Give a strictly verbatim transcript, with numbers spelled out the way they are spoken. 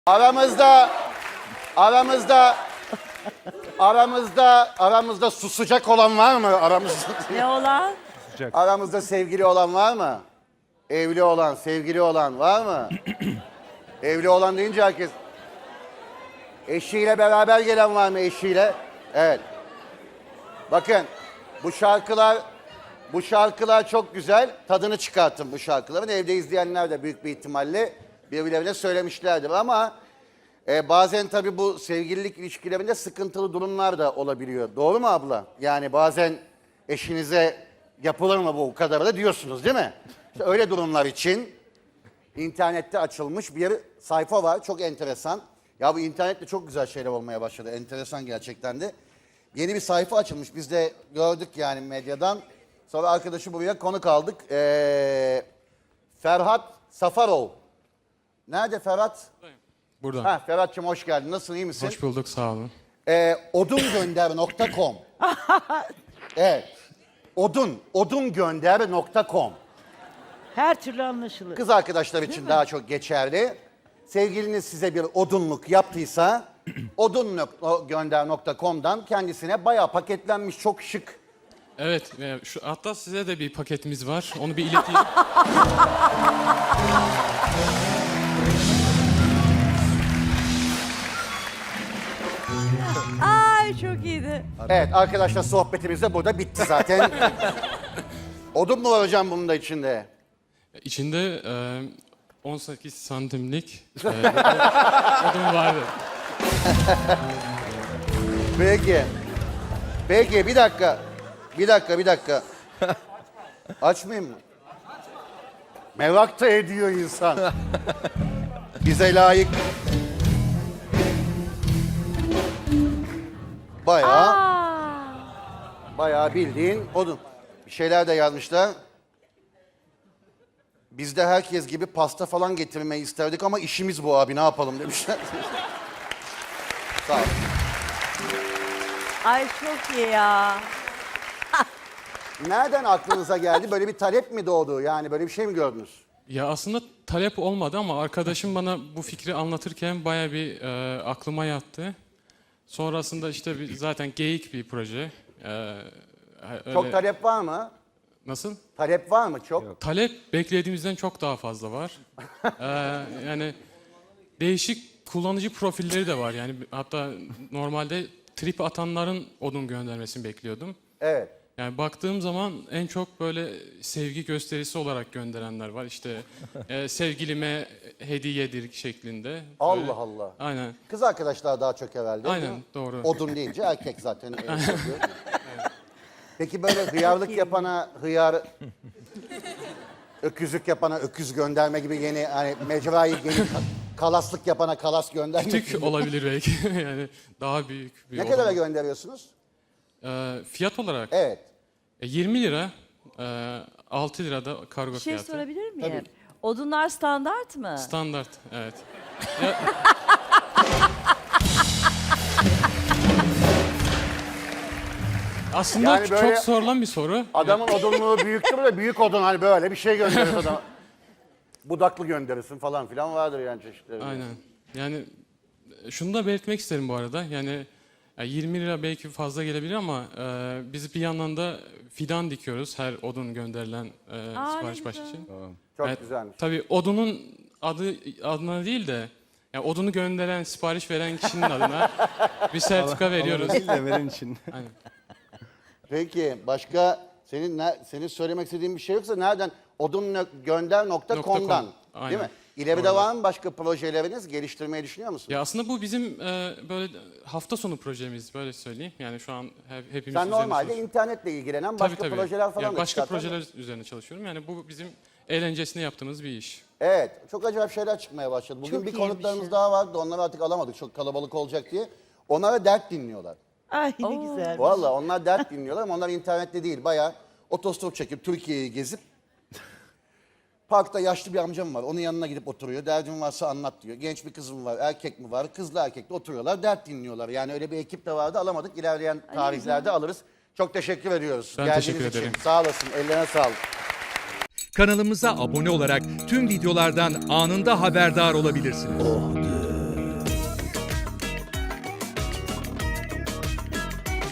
Aramızda, aramızda, aramızda, aramızda susacak olan var mı? Aramızda, Ne olan? aramızda sevgili olan var mı? Evli olan, sevgili olan var mı? Evli olan deyince herkes... Eşiyle beraber gelen var mı eşiyle? Evet. Bakın, bu şarkılar, bu şarkılar çok güzel. Tadını çıkartın bu şarkıların. Evde izleyenler de büyük bir ihtimalle birbirlerine söylemişlerdir ama e, bazen tabii bu sevgililik ilişkilerinde sıkıntılı durumlar da olabiliyor. Doğru mu abla? Yani bazen eşinize yapılır mı bu kadar da diyorsunuz değil mi? İşte öyle durumlar için internette açılmış bir sayfa var. Çok enteresan. Ya bu internette çok güzel şeyler olmaya başladı. Enteresan gerçekten de. Yeni bir sayfa açılmış. Biz de gördük yani medyadan. Sonra arkadaşı buraya konuk aldık. Ee, Ferhat Safarov. Nerede Ferhat? Burada. Ha, Ferhat'cığım hoş geldin. Nasılsın, iyi misin? Hoş bulduk, sağ olun. Ee, odungönder nokta com. Evet. Odun, odungönder nokta com. Her türlü anlaşılır. Kız arkadaşlar için daha çok geçerli. Sevgiliniz size bir odunluk yaptıysa odungönder nokta com'dan kendisine bayağı paketlenmiş, çok şık. Evet, e, şu, hatta size de bir paketimiz var. Onu bir ileteyim. Ay çok iyiydi. Evet arkadaşlar, sohbetimiz de burada bitti zaten. Odun mu var hocam bunun da içinde? İçinde e, on sekiz santimlik e, odun vardı. Peki. Peki bir dakika. Bir dakika, bir dakika. Açmayayım mı? Merak da ediyor insan. Bize layık. Bayağı, Aa, bayağı bildiğin odun. Bir şeyler de yazmışlar. Biz de herkes gibi pasta falan getirmeyi isterdik ama işimiz bu abi, ne yapalım demişler. Sağ ol. ay çok iyi ya. Nereden aklınıza geldi? Böyle bir talep mi doğdu? Yani böyle bir şey mi gördünüz? Ya aslında talep olmadı ama arkadaşım bana bu fikri anlatırken bayağı bir e, aklıma yattı. Sonrasında işte bir, zaten geyik bir proje. E, öyle, Çok talep var mı? Nasıl? Talep var mı çok? Talep beklediğimizden çok daha fazla var. Ee, yani değişik kullanıcı profilleri de var. Yani hatta normalde trip atanların odun göndermesini bekliyordum. Evet. Yani baktığım zaman en çok böyle sevgi gösterisi olarak gönderenler var. İşte e, sevgilime hediyedir şeklinde. Böyle. Allah Allah. Aynen. Kız arkadaşlar daha çok herhalde. değil Aynen mi? doğru. Odun deyince erkek zaten. öyle yapıyor. Peki böyle hıyarlık yapana hıyar, öküzlük yapana öküz gönderme gibi yeni hani mecrayı yeni ka- kalaslık yapana kalas gönderme Küçük gibi. olabilir belki. Yani daha büyük bir Ne odun. kadara gönderiyorsunuz? Ee, fiyat olarak Evet. e, yirmi lira, e, altı lirada kargo Bir şey fiyatı. sorabilir miyim? Tabii. Odunlar standart mı? Standart, evet. Ya, aslında Yani böyle- çok sorulan bir soru. Adamın odunluğu büyüktür de büyük odun hani böyle bir şey gönderiyor adama. Budaklı gönderirsin falan filan vardır yani çeşitleri. Aynen. Yani e, şunu da belirtmek isterim bu arada. Yani e, yirmi lira belki fazla gelebilir ama e, biz bir yandan da fidan dikiyoruz her odun gönderilen e, Aa, sipariş ne başı güzel. için. Çok Evet, güzelmiş. Tabii odunun adı adına değil de yani odunu gönderen, sipariş veren kişinin adına bir sertifika veriyoruz. Değil de veren için. Aynen. Peki başka senin ne, senin söylemek istediğin bir şey yoksa nereden? odungönder nokta com'dan Aynen. değil mi? İleride var mı başka projeleriniz? Geliştirmeyi düşünüyor musun? Ya aslında bu bizim e, böyle hafta sonu projemiz, böyle söyleyeyim. Yani şu an hep, hepimiz Sen üzerine normalde çalışıyoruz. internetle ilgilenen Tabii, başka tabii. projeler falan Ya da başka çıkartan- projeler üzerine çalışıyorum. Yani bu bizim eğlencesine yaptığımız bir iş. Evet, çok acayip şeyler çıkmaya başladı. Bugün Çok bir iyiymiş konuklarımız ya. daha vardı, onları artık alamadık çok kalabalık olacak diye. Onlara dert dinliyorlar. Ay ne güzel. Vallahi onlar dert dinliyorlar ama onlar internette değil, bayağı otostop çekip Türkiye'yi gezip parkta yaşlı bir amcam var, onun yanına gidip oturuyor. Derdin varsa anlat diyor. Genç bir kızım var, erkek mi var? Kızla erkekle oturuyorlar, dert dinliyorlar. Yani öyle bir ekip de vardı, alamadık. İlerleyen tarihlerde alırız. Çok teşekkür ediyoruz. Ben Geldiğiniz teşekkür için. ederim. Sağ olasın, ellerine sağlık. Kanalımıza abone olarak tüm videolardan anında haberdar olabilirsiniz.